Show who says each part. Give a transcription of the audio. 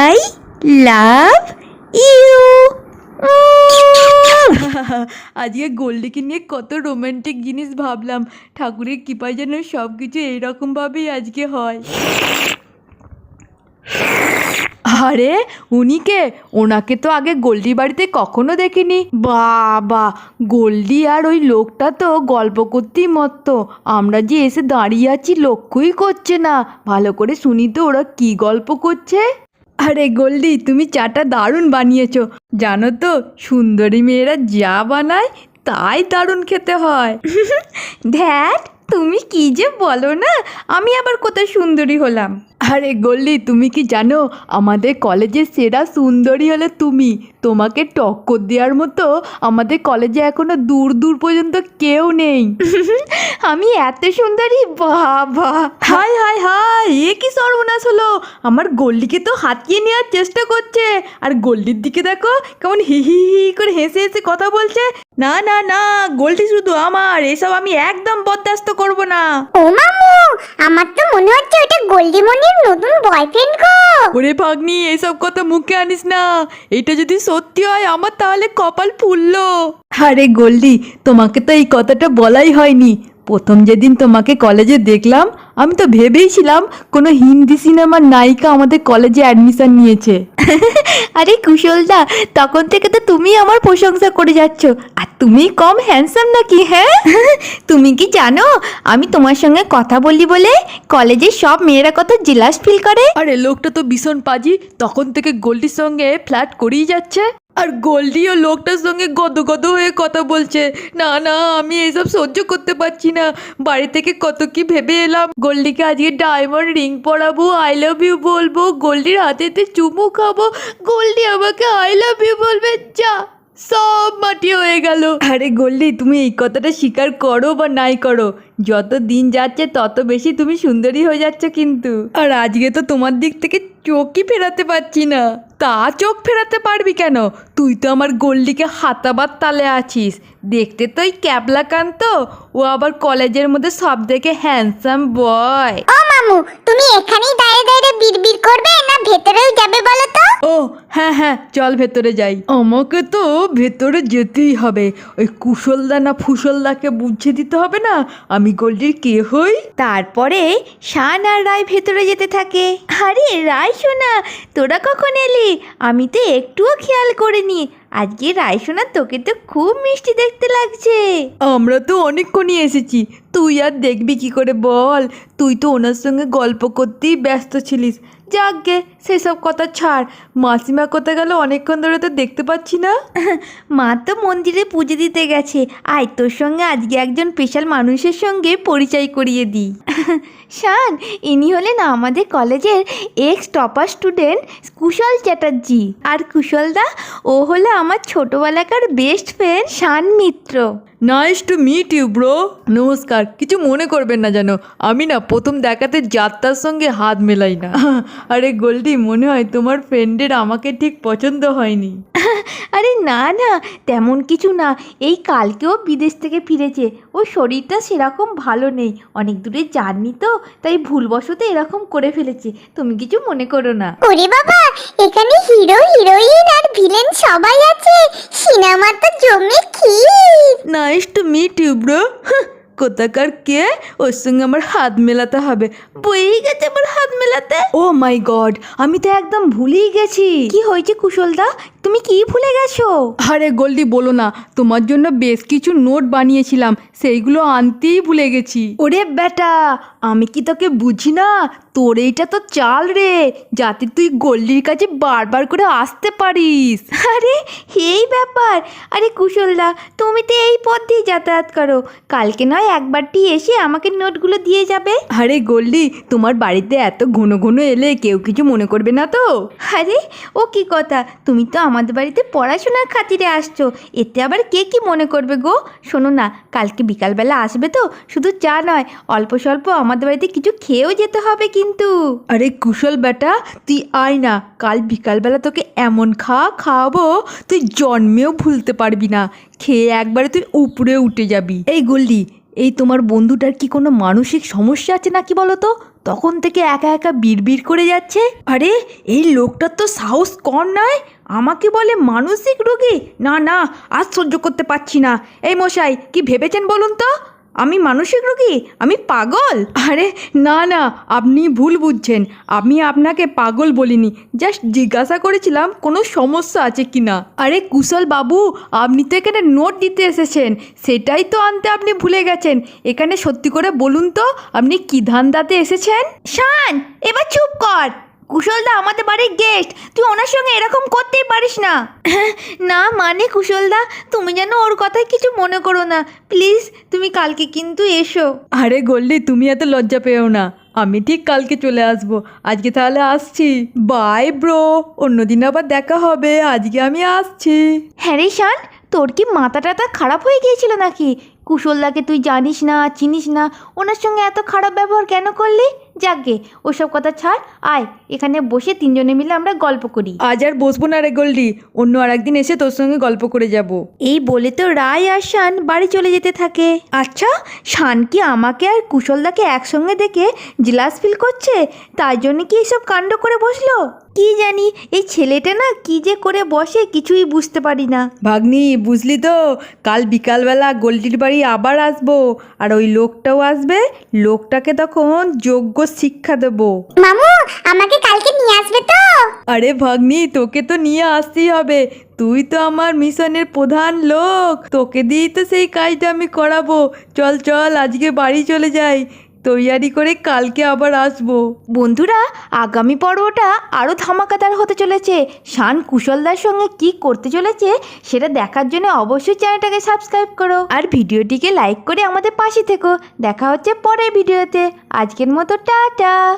Speaker 1: I love you.
Speaker 2: আজকে গোল্ডিকে নিয়ে কত রোমান্টিক জিনিস ভাবলাম। ঠাকুরের কৃপায় যেন সব কিছু এইরকমভাবেই আজকে হয়। আরে উনি কে? ওনাকে তো আগে গোল্ডি বাড়িতে কখনো দেখিনি। বাবা, গোল্ডি আর ওই লোকটা তো গল্প করতেই মত্ত। আমরা যে এসে দাঁড়িয়ে আছি লক্ষ্যই করছে না। ভালো করে শুনি তো ওরা কি গল্প করছে। আরে গোল্ডি, তুমি চাটা দারুণ বানিয়েছো। জানো তো, সুন্দরী মেয়েরা যা বানায় তাই দারুণ খেতে হয়।
Speaker 1: ধ্যাট, তুমি কি যে বলো না, আমি আবার কোথায় সুন্দরী হলাম?
Speaker 2: আরে গোল্ডি, তুমি কি জানো আমাদের কলেজের সেরা সুন্দরী হলে তুমি। তোমাকে টক্কর দেওয়ার মতো আমাদের কলেজে এখনো দূর দূর পর্যন্ত কেউ নেই।
Speaker 1: আমি এত সুন্দরী? বাবা,
Speaker 2: হাই হাই হাই, এ কি সর্বনাশ হলো! আমার গোল্ডিকে তো হাতিয়ে নেওয়ার চেষ্টা করছে। আর গোল্ডির দিকে দেখো কেমন হি হি হি করে হেসে হেসে কথা বলছে। না না না, গোল্ডি শুধু আমার, এসব আমি একদম বরদাস্ত করব না।
Speaker 3: ও মামু, আমার তো মনে হচ্ছে ওটা গোল্ডিমণির নতুন বয়ফ্রেন্ড গো।
Speaker 2: ওরে ভাগ্নি, এসব কথা মুখে আনিস না। এটা যদি সত্যি হয় আমার তাহলে কপাল ফুললো। আরে গোল্ডি, তোমাকে তো এই কথাটা বলাই হয়নি। প্রথম যেদিন তোমাকে কলেজে দেখলাম আমি তো ভেবেইছিলাম কোনো হিন্দি সিনেমার নায়িকা আমাদের কলেজে অ্যাডমিশন নিয়েছে।
Speaker 1: আরে কুশলদা, তখন থেকে তো তুমি আমার প্রশংসা করে যাচ্ছ। আর তুমি কম হ্যান্ডসাম নাকি? হ্যাঁ, তুমি কি জানো আমি তোমার সঙ্গে কথা বলি বলে কলেজের সব মেয়েরা কত জেলাস ফিল করে?
Speaker 2: আরে লোকটা তো ভীষণ পাজি, তখন থেকে গোল্ডির সঙ্গে ফ্ল্যাট করেই যাচ্ছে। আর গোল্ডিও লোকটার সঙ্গে গদ গদ হয়ে কথা বলছে। না না, আমি এইসব সহ্য করতে পারছি না। বাড়ি থেকে কত কি ভেবে এলাম। গোল্ডিকে আজকে ডায়মন্ড রিং পরাবো, আই লাভ ইউ বলবো, গোল্ডির হাতেতে চুমু খাবো, গোল্ডি আমাকে আই লাভ ইউ বলবে। যা, সব মাটি হয়ে গেল। আরে গোল্ডি, তুমি এই কথাটা স্বীকার করো বা নাই করো, যত দিন যাচ্ছে তত বেশি তুমি সুন্দরী হয়ে যাচ্ছ কিন্তু। আর আজকে তো তোমার দিক থেকে চোখই ফেরাতে পারছি না। তা চোখ ফেরাতে পারবি কেন? তুই তো আমার গোল্ডিকে হাতাবার তালে আছিস। দেখতে তো ওই ক্যাবলা কান্ত, ও আবার কলেজের মধ্যে সব থেকে হ্যান্ডসাম বয়।
Speaker 3: ও মামু, তুমি এখানেই দাঁড়িয়ে দাঁড়িয়ে বিড়বিড় করবে না ভেতরেও যাবে বলো তো?
Speaker 2: ও হ্যাঁ হ্যাঁ, চল ভেতরে যাই। আমাকে তো ভেতরে যেতেই হবে। ওই কুশলদা না ফুসলদাকে বুঝিয়ে দিতে হবে না আমি গোল্ডির কে হই।
Speaker 1: তারপরে শান আর রায় ভেতরে যেতে থাকে। আরে রায় সোনা, তোরা কখন এলি? আমি তো একটুও খেয়াল করিনি। আজকে রায় সোনা, তোকে তো খুব মিষ্টি দেখতে লাগছে।
Speaker 2: আমরা তো অনেকক্ষণই এসেছি, তুই আর দেখবি কি করে বল? তুই তো ওনার সঙ্গে গল্প করতেই ব্যস্ত ছিলিস। যাক গে, সেসব কথা ছাড়। মাসিমা কোথায় গেল? অনেকক্ষণ ধরে তো দেখতে পাচ্ছি না।
Speaker 1: মা তো মন্দিরে পুজো দিতে গেছে। আয়, তোর সঙ্গে আজকে একজন স্পেশাল মানুষের সঙ্গে পরিচয় করিয়ে দিই। শান, ইনি হলেন আমাদের কলেজের ex topper student Kushal Chatterjee. আর কুশলদা, ও হলো আমার ছোটোবেলাকার best friend Shaan Mitra.
Speaker 2: Nice to meet you bro. নমস্কার, কিছু মনে করবেন না যেন। আমি না প্রথম দেখাতে যাত্রার সঙ্গে হাত মেলাই না। আরে গোল্ডি, মনে হয় তোমার ফ্রেন্ডের আমাকে ঠিক পছন্দ হয়নি।
Speaker 1: আরে না না, তেমন কিছু না। এই কালকেও বিদেশ থেকে ফিরেছে। ওর শরীরটা সেরকম ভালো নেই, অনেক দূরে জার্নি তো, তাই ভুলবশত এরকম করে ফেলেছে। তুমি কিছু মনে করো না।
Speaker 3: ওরে বাবা, এখানে হিরো হিরোইন আর ভিলেন সবাই আছে। সিনেমা তো জমে ক্ষীর।
Speaker 2: Nice to meet you bro. কোথাকার কে? ওর সঙ্গে আমার হাত মেলাতে হবে। বইই গেছে আমার হাত মেলাতে। ও মাই গড, আমি তো একদম ভুলেই গেছি।
Speaker 1: কি হয়েছে কুশলদা, তুমি কি ভুলে গেছো?
Speaker 2: আরে গোল্ডি বলো না, তোমার জন্য বেশ কিছু নোট বানিয়েছিলাম, সেইগুলো আনতেই ভুলে গেছি। ওরে বেটা, আমি কি তোকে বুঝি না? তোর এইটা তো চাল রে, যাতে তুই গোল্ডির কাছে বারবার করে আসতে পারিস।
Speaker 1: আরে এই ব্যাপার। আরে কুশলদা, তুমি তো এই পথ দিয়ে যাতায়াত করো, কালকে নয় একবারটি এসে আমাকে নোটগুলো দিয়ে যাবে।
Speaker 2: আরে গোল্ডি, তোমার বাড়িতে এত ঘন ঘন এলে কেউ কিছু মনে করবে না তো?
Speaker 1: আরে ও কি কথা, তুমি তো আমাদের বাড়িতে পড়াশোনার খাতিরে আসছো, এতে আবার কে কি মনে করবে গো? শোনো না, কালকে বিকালবেলা আসবে তো, শুধু চা নয়, অল্প স্বল্প আমাদের বাড়িতে কিছু খেয়েও যেতে হবে কিন্তু।
Speaker 2: আরে কুশল বেটা, তুই আয় না, কাল বিকালবেলা তোকে এমন খাওয়াবো তুই জন্মেও ভুলতে পারবি না। খেয়ে একবারে তুই উপরে উঠে যাবি। এই গোল্ডি, এই তোমার বন্ধুটার কি কোনো মানসিক সমস্যা আছে নাকি বলো তো?
Speaker 1: তখন থেকে একা একা বিড়বিড় করে যাচ্ছে। আরে এই লোকটার তো সাহস কম নয়, আমাকে বলে মানসিক রোগী। না না, আর সহ্য করতে পারছি না। এই মশাই, কি ভেবেছেন বলুন তো? আমি মানসিক রোগী? আমি পাগল?
Speaker 2: আরে না না, আপনি ভুল বুঝছেন। আমি আপনাকে পাগল বলিনি, জাস্ট জিজ্ঞাসা করেছিলাম কোনো সমস্যা আছে কি না। আরে কুশল বাবু, আপনি তো এখানে নোট দিতে এসেছেন, সেটাই তো আনতে আপনি ভুলে গেছেন। এখানে সত্যি করে বলুন তো, আপনি কি ধান্দাতে এসেছেন?
Speaker 1: শান, এবার চুপ কর। কুশলদা আমাদের বাড়ির গেস্ট, তুই ওনার সঙ্গে এরকম করতেই পারিস না। না মানে কুশলদা, তুমি যেন ওর কথায় কিছু মনে করো না প্লিজ, তুমি কালকে কিন্তু এসো।
Speaker 2: আরে গোল্ডি, তুমি এত লজ্জা পেও না, আমি ঠিক কালকে চলে আসবো। আজকে তাহলে আসছি, বাই ব্রো, অন্যদিন আবার দেখা হবে, আজকে আমি আসছি।
Speaker 1: হ্যাঁ রে শান, তোর কি মাথা টাথা খারাপ হয়ে গিয়েছিল নাকি? কুশলদাকে তুই জানিস না, চিনিস না, ওনার সঙ্গে এত খারাপ ব্যবহার কেন করলি? যাকগে, ওসব কথা ছাড়, আয় এখানে বসে তিনজনে মিলে আমরা গল্প করি।
Speaker 2: আজ আর বসবো না রে গোল্ডি, অন্য আর একদিন এসে তোর সঙ্গে গল্প করে যাব।
Speaker 1: এই বলে তো রায় আর শান বাড়ি চলে যেতে থাকে। আচ্ছা, শান কি আমাকে আর কুশলদাকে একসঙ্গে দেখে জেলাস ফিল করছে, তার জন্য কি এসব কাণ্ড করে বসলো? কি জানি, এই ছেলেটা না কি যে করে বসে কিছুই বুঝতে পারি না।
Speaker 2: ভাগ্নি, বুঝলি তো, কাল বিকালবেলা গোল্ডির বাড়ি আবার আসবো, আর ওই লোকটাও আসবে, লোকটাকে তখন যোগ্য শিক্ষা দেবো।
Speaker 3: মামু, আমাকে কালকে নিয়ে আসবে তো?
Speaker 2: আরে ভাগ্নি, তোকে তো নিয়ে আসতেই হবে, তুই তো আমার মিশনের প্রধান লোক, তোকে দিয়েই তো সেই কাজটা আমি করাবো। চল চল, আজকে বাড়ি চলে যাই, তৈয়ারি করে কালকে আবার আসবো।
Speaker 1: বন্ধুরা, আগামী পর্বটা আরও ধামাকাদার হতে চলেছে। শান কুশলদার সঙ্গে কি করতে চলেছে সেটা দেখার জন্য অবশ্যই চ্যানেলটাকে সাবস্ক্রাইব করো, আর ভিডিওটিকে লাইক করে আমাদের পাশে থেকো। দেখা হচ্ছে পরের ভিডিওতে। আজকের মতো টাটা।